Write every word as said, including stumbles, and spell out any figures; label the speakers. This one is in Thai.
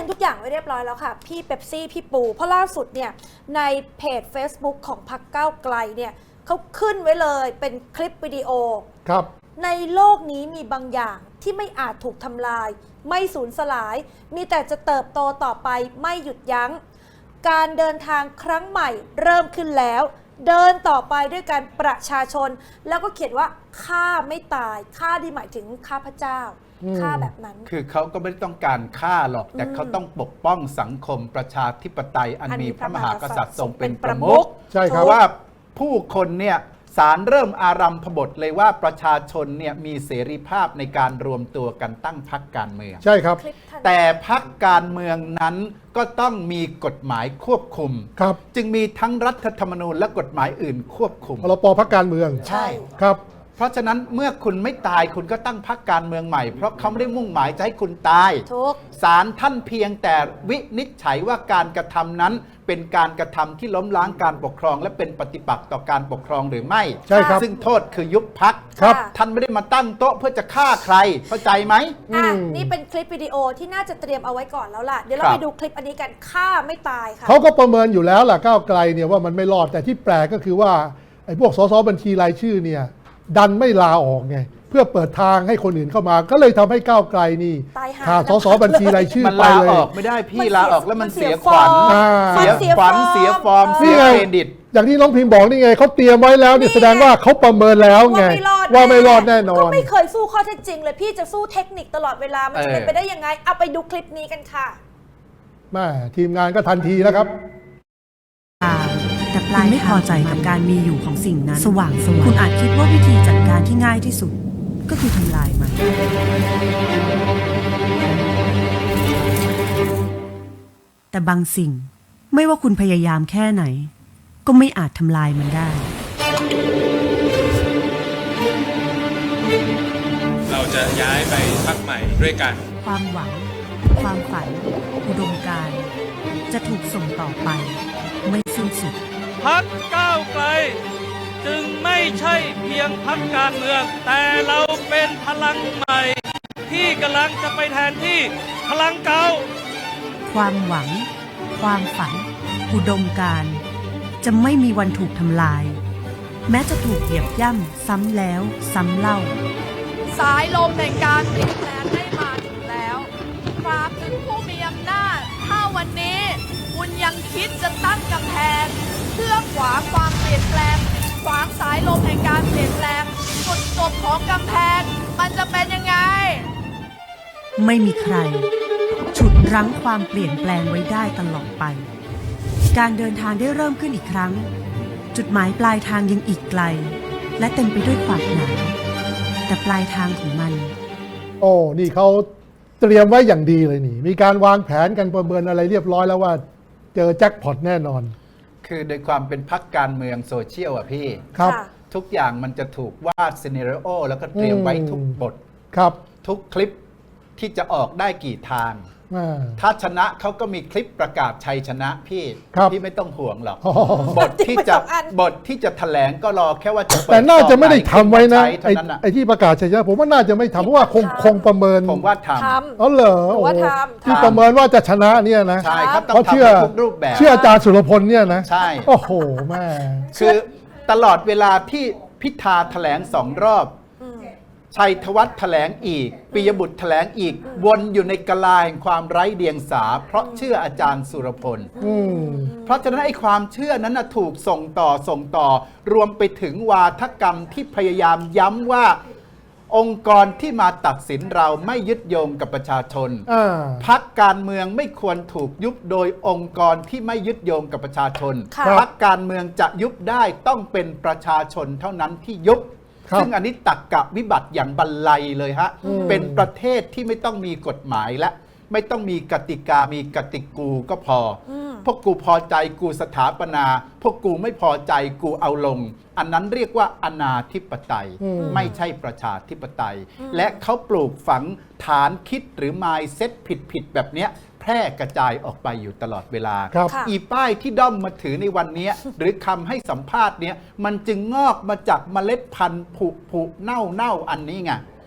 Speaker 1: ทุกอย่างไว้เรียบร้อยแล้วค่ะพี่เป๊ปซี่พี่ปูเพราะล่าสุดเนี่ยในเพจ Facebook ของพรรคก้าวไกลเนี่ยเขาขึ้นไว้เลยเป็นคลิปวิดีโอ
Speaker 2: ครับ
Speaker 1: ในโลกนี้มีบางอย่างที่ไม่อาจถูกทำลายไม่สูญสลายมีแต่จะเติบโตต่อไปไม่หยุดยั้งการเดินทางครั้งใหม่เริ่มขึ้นแล้วเดินต่อไปด้วยการประชาชนแล้วก็เขียนว่าข้าไม่ตายข้าที่หมายถึงข้าพเจ้าฆ่าแบบนั้น
Speaker 3: คือเขาก็ไม่ได้ต้องการฆ่าหรอกแต่เขาต้องปกป้องสังคมประชาธิปไตยอันมีพระมหากษัตริย์ทรงเป็นประมุข
Speaker 2: ใช่ครับ
Speaker 3: ว่าผู้คนเนี่ยศาลเริ่มอารัมพบทเลยว่าประชาชนเนี่ยมีเสรีภาพในการรวมตัวกันตั้งพรรคการเมือง
Speaker 2: ใช่ครับ
Speaker 3: แต่พรรคการเมืองนั้นก็ต้องมีกฎหมายควบคุม
Speaker 2: ครับ
Speaker 3: จึงมีทั้งรัฐธรรมนูญและกฎหมายอื่นควบคุม
Speaker 2: พรบพรรคการเมือง
Speaker 3: ใช่
Speaker 2: ครับ
Speaker 3: เพราะฉะนั้นเมื่อคุณไม่ตายคุณก็ตั้งพรรคการเมืองใหม่เพราะเขาไม่ได้มุ่งหมายจะให้คุณตายศาลท่านเพียงแต่วินิจฉัยว่าการกระทำนั้นเป็นการกระทำที่ล้มล้างการปกครองและเป็นปฏิปักษ์ต่อการปกครองหรือไม่
Speaker 2: ใช่ครับ
Speaker 3: ซึ่งโทษคือยุบพรรคท่านไม่ได้มาตั้งโต๊ะเพื่อจะฆ่าใครเข้าใจไหม
Speaker 1: อ่ะนี่เป็นคลิปวิดีโอที่น่าจะเตรียมเอาไว้ก่อนแล้วล่ะเดี๋ยวเราไปดูคลิปอันนี้กันฆ่าไม่ตายค่ะ
Speaker 2: เขาก็ประเมินอยู่แล้วล่ะก้าวไกลเนี่ยว่ามันไม่รอดแต่ที่แปลกก็คือว่าไอ้พวกสสบัญชีรายชื่อเนี่ยดันไม่ลาออกไงเพื่อเปิดทางให้คนอื่นเข้ามาก็เลยทำให้ก้าวไกลนี่ขาดสสบัญชีรายชื่อไปเลย
Speaker 3: มันลาออกไม่ได้พี่ลาออกแล้วมันเสียขวัญเสียขวัญเสียฟอร์มเสียเครดิต
Speaker 2: อย่างที่น้องพิมพ์บอกนี่ไงเขาเตรียมไว้แล้วนี่แสดงว่าเขาประเมินแล้วไงว่าไม่รอดแน่นอน
Speaker 1: ก็ไม่เคยสู้ข้อเท็จจริงเลยพี่จะสู้เทคนิคตลอดเวลามันจะเป็นไปได้ยังไงเอาไปดูคลิปนี้กันค่ะ
Speaker 2: แม่ทีมงานก็ทันทีแล้วครับ
Speaker 4: แต่ปลายไม่พอใจกับการมีอยู่ของสิ่งนั้นสว่างสว่างคุณอาจคิดว่าวิธีจัดการที่ง่ายที่สุดก็คือทำลายมันแต่บางสิ่งไม่ว่าคุณพยายามแค่ไหนก็ไม่อาจทำลายมันได้
Speaker 5: เราจะย้ายไปพรรคใหม่ด้วยกัน
Speaker 4: ความหวังความฝันอุดมการณ์จะถูกส่งต่อไปไม่สิ้นสุด
Speaker 5: พรรคก้าวไกลจึงไม่ใช่เพียงพรรคการเมืองแต่เราเป็นพลังใหม่ที่กำลังจะไปแทนที่พลังเก่า
Speaker 4: ความหวังความฝันอุดมการณ์จะไม่มีวันถูกทำลายแม้จะถูกเหยียบย่ำซ้ำแล้วซ้ำเล่า
Speaker 6: สายลมแห่งการเปลี่ยนแปลงได้มาถึงแล้วฝากถึงผู้มีอำนาจถ้าวันนี้คุณยังคิดจะตั้งกำแพงเพื่อขวางความเปลี่ยนแปลงขวางสายลมแห่งการเปลี่ยนแปลงจุดจบของกำแพงมันจะเป็นยังไง
Speaker 4: ไม่มีใครฉุดรั้งความเปลี่ยนแปลงไว้ได้ตลอดไปการเดินทางได้เริ่มขึ้นอีกครั้งจุดหมายปลายทางยังอีกไกลและเต็มไปด้วยความหนาวแต่ปลายทางของมัน
Speaker 2: โอ้นี่เขาเตรียมไว้อย่างดีเลยนี่มีการวางแผนกันประเมินอะไรเรียบร้อยแล้วว่าเจอแจ็คพอตแน่นอน
Speaker 3: คือโดยความเป็นพรรคการเมืองโซเชียลอ่ะพี่
Speaker 2: ครับ
Speaker 3: ทุกอย่างมันจะถูกวาดซีนาริโอแล้วก็เตรียมไว้ทุกบท
Speaker 2: ครับ
Speaker 3: ทุกคลิปที่จะออกได้กี่ทางถ้าชนะเขาก็มีคลิปประกาศชัยชนะพี่พี่ไม่ต้องห่วงหรอกบทที่จะบทที่จะแถลงก็รอแค่ว่าจะ
Speaker 2: แต่น่าจะไม่ได้ทำไว้นะไอ้ที่ประกาศชัยชนะผมว่าน่าจะไม่ทำเพราะว่าคงคงประเมิน
Speaker 3: ผมว่าทำ
Speaker 2: อ๋อเหรอที่ประเมินว่าจะชนะเนี่ยนะ
Speaker 3: ใช่ครับต้องทำทุกรูปแบบ
Speaker 2: เชื่ออาจารย์สุรพลเนี่ยนะ
Speaker 3: ใช่
Speaker 2: โอ้โหแม่
Speaker 3: คือตลอดเวลาที่พิธาแถลงสองรอบชัยธวัฒน์แถลงอีกปิยบุตรแถลงอีกวนอยู่ในกลาแห่งความไร้เดียงสาเพราะเชื่ออาจารย์สุรพลเพราะฉะนั้นไอ้ความเชื่อนั้นถูกส่งต่อส่งต่อรวมไปถึงวาทกรรมที่พยายามย้ำว่าองค์กรที่มาตัดสินเราไม่ยึดโยงกับประชาชนพรรคการเมืองไม่ควรถูกยุบโดยองค์กรที่ไม่ยึดโยงกับประชาชนพรรคการเมืองจะยุบได้ต้องเป็นประชาชนเท่านั้นที่ยุบซึ่งอันนี้ตักกะวิบัติอย่างบรรลัยเลยฮะเป็นประเทศที่ไม่ต้องมีกฎหมายและไม่ต้องมีกติกามีกติกูก็พอพวกกูพอใจกูสถาปนาพวกกูไม่พอใจกูเอาลงอันนั้นเรียกว่าอนาธิปไตยไม่ใช่ประชาธิปไตยและเขาปลูกฝังฐานคิดหรือ mindset ผิดๆแบบเนี้ยแพร่กระจายออกไปอยู่ตลอดเวลาอีป้ายที่ด้อมมาถือในวันนี้หรือคำให้สัมภาษณ์เนี้ยมันจึงงอกมาจากเมล็ดพันธุ์ผุผุเน่าเน่าอันนี้ไง